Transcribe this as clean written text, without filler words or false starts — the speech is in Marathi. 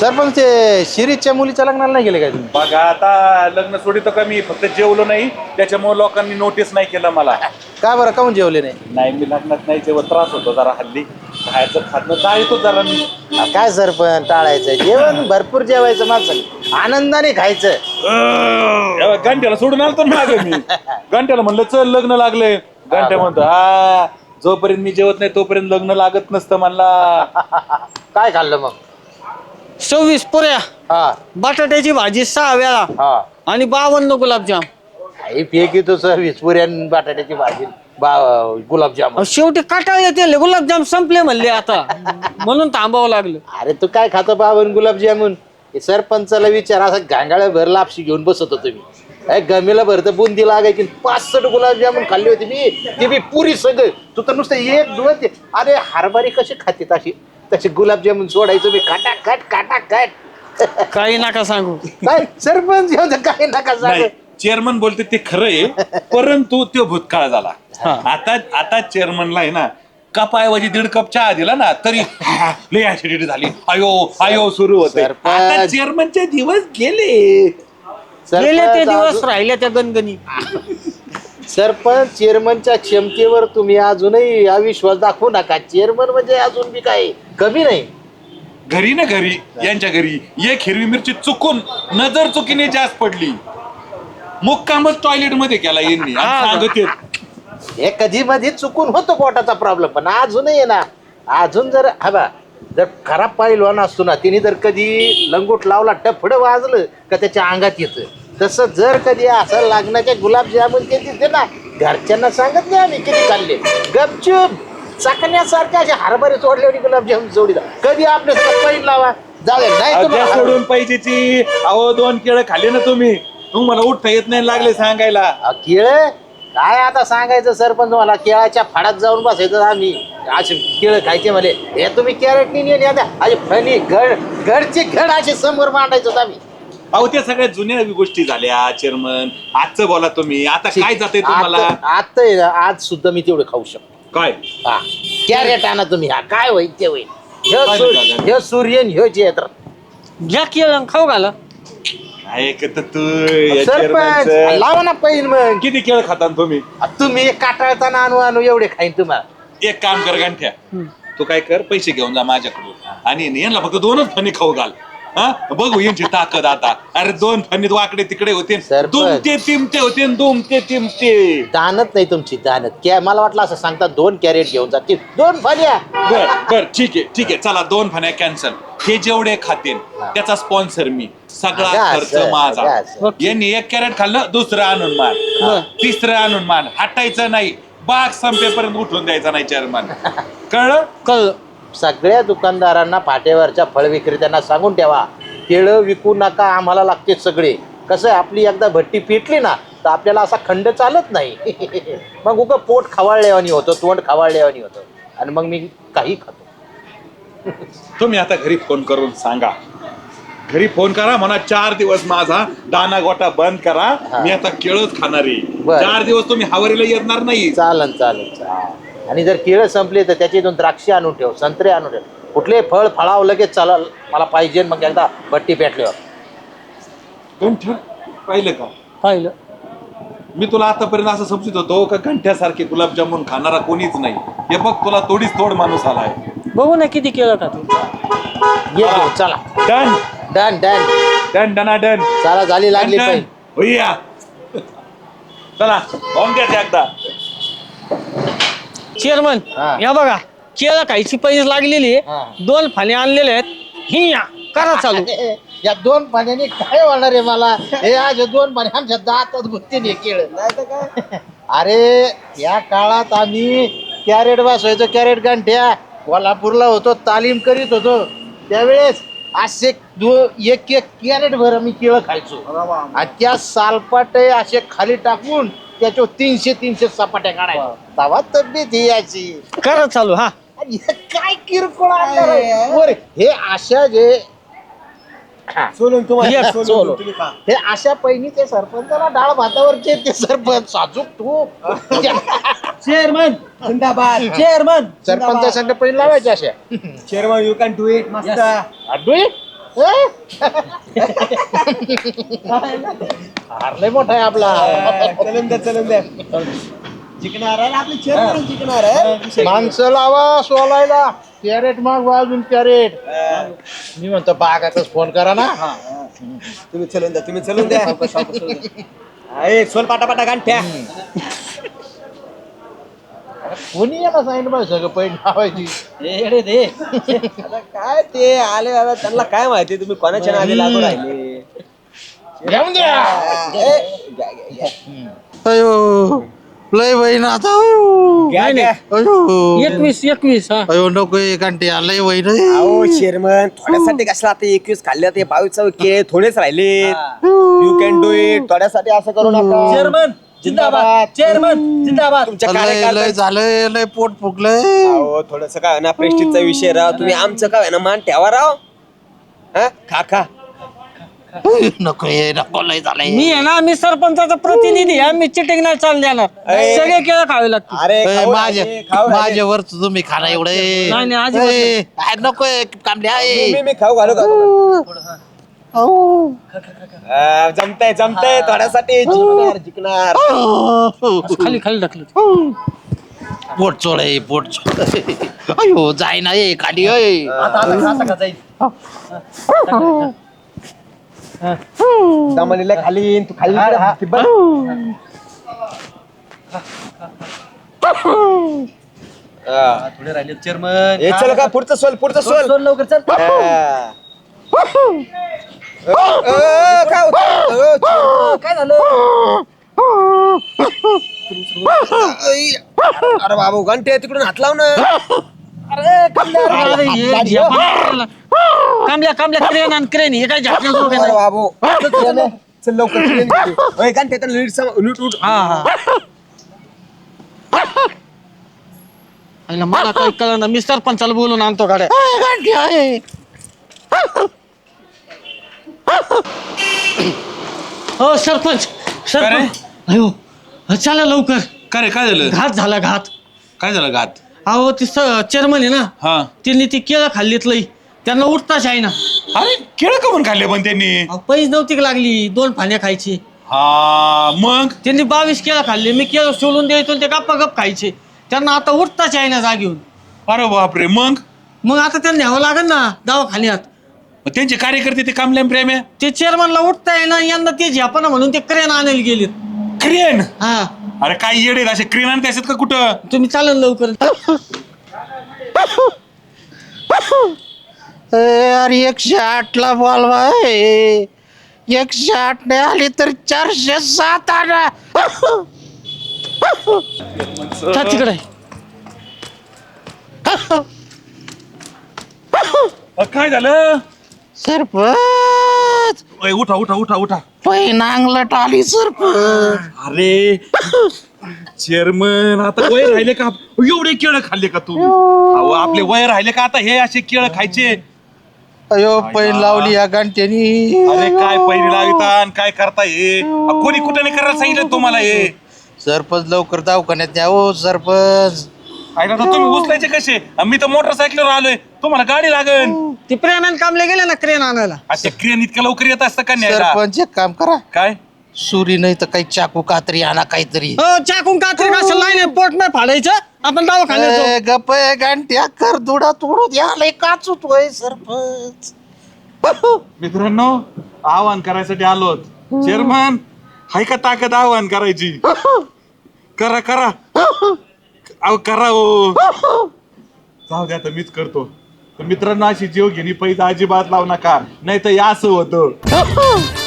सरपंच ते शिरीषच्या मुलीच्या लग्नाला नाही गेले काय तुम्ही? बघा आता लग्न सोडित कमी फक्त जेवलो नाही त्याच्यामुळे लोकांनी नोटीस नाही केलं मला. का बरं काऊन जेवले नाही? नाही मी लग्नात नाही जेवण त्रास होतो जरा हल्ली खायचं खाणं टाळतो जरा मी. काय सरपंच टाळायचं जेवण भरपूर जेवायचं माणसं आनंदाने खायचं. घंट्याला सोडून आलतो ना मागे मी. घंट्याला म्हणलं चल लग्न लागलंय. घंट्या म्हणतो हा जोपर्यंत मी जेवत नाही तोपर्यंत लग्न लागत नसतं म्हणला. काय खाल्लं मग? 26 पुऱ्या, हा बटाट्याची भाजी 6 वेळा हा आणि 52 गुलाबजाम. काही फेक येतो सर विस्पुऱ्यान बटाट्याची भाजी गुलाबजाम. शेवटी काटाळले ते गुलाबजाम संपले म्हणले आता म्हणून थांबावं लागलं. अरे तू काय खातो बाबन गुलाबजामुन? सरपंचाला विचार असा गांगाळ्या भर लापशी घेऊन बसत होतो मी. गमीला भरत बुंदी लागायची 65 गुलाबजामुन खाल्ली होती मी. ती बी पुरी सगळं. तू तर नुसतं 1-2. अरे हरभरी कशी खाते तशी तशी गुलाबजामुन सोडायचं मी काटा काही नका सांगू. काय सरपंच काय नका सांग. नाही चेअरमन बोलते ते खरं आहे परंतु तो भूतकाळ झाला. आता चेअरमनला आहे ना कपाऐवजी 1.5 कप चहा दिला ना तरी लय ऍसिडिटी झाली. आयो सुरू होते. आता चेअरमनचे दिवस गेले ते दिवस राहिले त्या गणगणी. सरपंच चेअरमनच्या क्षमतेवर तुम्ही अजूनही अविश्वास दाखवू नका. चेअरमन म्हणजे अजून बी काय कमी नाही. घरी ना घरी यांच्या घरी एक हिरवी मिरची चुकून नजर चुकीने जास्त पडली मुक्कामच टॉयलेट मध्ये केला यांनी सांगते. हे कधी मध्ये चुकून होतो पोटाचा प्रॉब्लेम पण अजूनही आहे ना. अजून जर जर खराब पहिलवान असतो ना तिने जर कधी लंगोट लावला टफडं वाजलं का त्याच्या अंगात येतं. तसं जर कधी असं लागण्याच्या गुलाबजामुन ते तिथे ना घरच्यांना सांगत नाही आम्ही किती खाल्ले गपचूप चाकण्यासारख्या अशा हरभरे सोडले गुलाबजामुन जोडी कधी आपल्या पैन लावा जाऊ नाही सोडून पाहिजेची. अहो 2 केळं खाल्ले ना तुम्हाला उठता येत नाही लागले सांगायला. केळ काय आता सांगायचं सरपंच तुम्हाला केळाच्या फाडात जाऊन बसायचं आम्ही असे केळं खायचे म्हणे हे तुम्ही कॅरेट नाही आता असे फणी घडचे घड असे समोर मांडायचं आम्ही. अहो त्या सगळ्या जुन्या गोष्टी झाल्या चेअरमन. आजचं बोला तुम्ही आता काय जाते तुम्हाला? आता आहे ना आज सुद्धा मी तेवढं खाऊ शकतो. काय हा कॅरेट आणा तुम्ही. हा काय होईल ते होईल. हे सूर्यन ह्यो चेत्र घ्या केलं खाऊ घाला. ऐकत तू सरपंच लावा ना पैन मग. किती केळ खाता तुम्ही? तुम्ही काटाळताना आणू एवढे खाईन तुम्हाला. एक काम कर गांठ्या तू काय कर पैसे घेऊन जा माझ्याकडून आणि यांना फक्त 2च फणी खाऊ घाल. हा बघू यांची ताकद आता. अरे 2 फणीत वाकडे तिकडे होते दुमते तिमते होते दुमते तिमते. दानत नाही तुमची दानत मला वाटलं असं सांगता 2 कॅरेट घेऊन जातील 2 फण्या. बर ठीक आहे चला 2 फण्या कॅन्सल. हे जेवढे खातील त्याचा स्पॉन्सर मी. सगळा खर्च माझा. यांनी 1 कॅरेट खाल्लं दुसरं आणून मान तिसरं आणून मान हटायचं नाही. बाग संपेपर्यंत उठून द्यायचा नाही चेअरमन. कळलं? सगळ्या दुकानदारांना फाटेवरच्या फळ विक्रेत्यांना सांगून ठेवा केळं विकू नका आम्हाला लागते सगळे. कसं आपली एकदा भट्टी पेटली ना तर आपल्याला असा खंड चालत नाही. मग उगं पोट खवाळल्यावानी होतं तोंड खवाळल्यावानी होतं आणि मग मी काही खातो. तुम्ही आता घरी फोन करून सांगा. घरी फोन करा म्हणा 4 दिवस माझा दाना गोटा बंद करा. मी आता केळच खाणार आहे. 4 दिवस तुम्ही हवारीला येणार नाही. चालेल. आणि जर केळं संपले तर त्याच्यातून द्राक्षे आणून ठेव संत्रे आणून ठेव. कुठले फळ फळाव लगेच चालल मला पाहिजे. मग एकदा भट्टी पेटल्यावर पाहिलं का? पाहिलं. मी तुला आतापर्यंत असं समजत होतो का घंट्यासारखे गुलाबजामुन खाणारा कोणीच नाही. हे बघ तुला तोडीच तोड माणूस आलाय. बघू ना किती केलं का तू. ये घेऊन चला. डन डन डन डन डना डन. चला झाली लागली पाहिजे. होईया चला बॉम्ब द्या एकदा. चेअरमन हा. या बघा केळं खायची पैसे लागलेली हा. 2 फण्या आणलेले आहेत. ही या करा चालू. या 2 पाण्याने काय होणार आहे मला. हे आज 2 पाणी आमच्या दातात गुत्तीने केळ. अरे या काळात आम्ही कॅरेट बसवायचो. कॅरेट गांठ्या कोल्हापूरला होतो तालीम करीत होतो त्यावेळेस असे 1 कॅरेट भर आम्ही केळं खायचो. आणि त्या सालपाटे असे खाली टाकून त्याच्यावर 300 सपाट्या काढायच्या. तवा तब्येत ही याची. करा चालू. हा काय किरकोळ आणणार आहे? हे अशा जे हे अशा पहिली ते सरपंचाला डाळ भातावरचे ते सरपंच साजूक तू चेअरमन जिंदाबाद. चेअरमन सरपंचा संघ पहिली लावायचे अशा. Chairman you can do it. मस्त. हारलंय मोठा आहे आपला. चलून द्या जिंकणार आहे आपली चेअरमन जिंकणार आहे. माणसं लावा सोलायला. कॅरेट माग अजून कॅरेट. मी म्हणतो बागातच फोन करा ना. तुम्ही चलून द्या अरे सोल पाटा गांठ्या. कोणी याला सांगितलं पाहिजे सगळं पैन लावायची. आता काय ते आले आता त्यांना काय माहिती तुम्ही कोणाच्या नादी लागून राहिले. घेऊन द्या. घ्या. अयो लय बहीण आता. घ्या. अयो 21 हा. अयो नको घंटे लय बहीण. अहो चेअरमन थोड्यासाठी कशाला आता 21 खाल्ले ते 22 के थोडेच राहिले. You can do it. थोड्यासाठी असं करू नका. चेअरमन जिंदाबाद. चेअरमन जिंदाबाद. तुमच्या लय कार्यकर्त्यांचं झालंय लय पोट फुगलंय. अहो थोडस काय ना प्रेस्टिजचा विषय राव. तुम्ही आमचं काय ना मान ठेवा राव. हा खा नको लय झालंय. मी आहे ना, मी सरपंचाचा प्रतिनिधी आहे. मी चिटिंग नाही चालू देणार. अरे. सगळे केळं खावे लागतील. अरे खाऊ माझ्या राहिले, खाऊ राहिले. माझ्यावर तुम्ही खाना एवढे. नाही, अजिबात नको कामल्या आहे. मी खाऊ घालू का? जमतंय थोड्यासाठी जिंकणार. खाली ढकलत. पोट चोळ आहे पोट चोळ. अयो जाय ना ये खाली होय. दमलेल्या खाली तू खाली इकडे बस. थोडे राहिले चेअरमन. हे चल का पुढचं सोल लवकर चल. काय झालं? अरे बाबू घंटे तिकडून हात लाव ना. कांबल्या क्रेन हे काय झाकण्याचं अरे बाबू चल लवकर घंटे नीट उठ. मला काही कळलं ना. मी सरपंचाला बोलून आणतो गाड्या. हो सरपंच. अयो चला लवकर. काय झालं? घात झाला घात. काय झालं घात? अहो ती चेअरमन आहे ना, हा त्यांनी ती केळं खाल्लीत लई. त्यांना उठताच आहे ना. अरे केळं का म्हणून खाल्ले पण त्यांनी? पैज नव्हती का लागली 2 फाण्या खायची. हा मग त्यांनी 22 केळं खाल्ले. मी केळं सोलून द्यायचो ते गप्पा गप खायचे. त्यांना आता उठताच आहे ना जागेऊन. अरे बापरे. मग आता त्यांना न्यावं लागेल ना दवाखान्यात. त्यांचे कार्यकर्ते ते कामल्याम प्रेम आहे. ते चेअरमनला उठताय ना. यंदा ते झेपना म्हणून ते क्रेन आणायला गेलेत. क्रेन? हा अरे काय येडे असे क्रेन आणते असतात का कुठं? तुम्ही चालेल लवकर. अरे 108 बोलवा. 108 नाही आली तर 407 आणा. तिकडे काय झालं? सरपंच ओय, उठा. पैन अंगलट आली सरपंच. अरे चेअरमन आता वय राहिले का? एवढे केळं खाल्ले का तू? अहो आपले वय राहिले का आता हे असे केळं खायचे? अयो पैन लावली या घंट्यानी. अरे काय पहिली लाविता काय करता हे? कोणी कुठे नाही करायला सांगितलं तुम्हाला हे? सरपंच लवकर दवाखान्यात न्या हो सरपंच. ऐका तर तुम्ही उचलायचे कसे? मी तर मोटरसायकलवर आलोय. तुम्हाला गाडी लागेल. ते प्रेमान कामले गेले ना क्रेन आणायला. असे क्रेन इतक्या लवकर येत असतं का न्यायला? सरपंच एक काम करा. काय? सुरी नाही तर काही चाकू कात्री आणा काहीतरी. हो चाकून कात्री कसं नाही पोट नाही फाडायचं. आपण दवाखान्यात जाऊ. गप घंट्या कर दुडा तोडू द्या काचूतोय सरपंच. मित्रांनो आवाहन करायसाठी आलोत. चेअरमन हाय का ताकद आवाहन करायची? करा अहो करा हो. जाऊ द्या तर मीच करतो. तर मित्रांनो अशी जीव घेणी पैसा अजिबात लावू नका, नाही तर या असं होतं.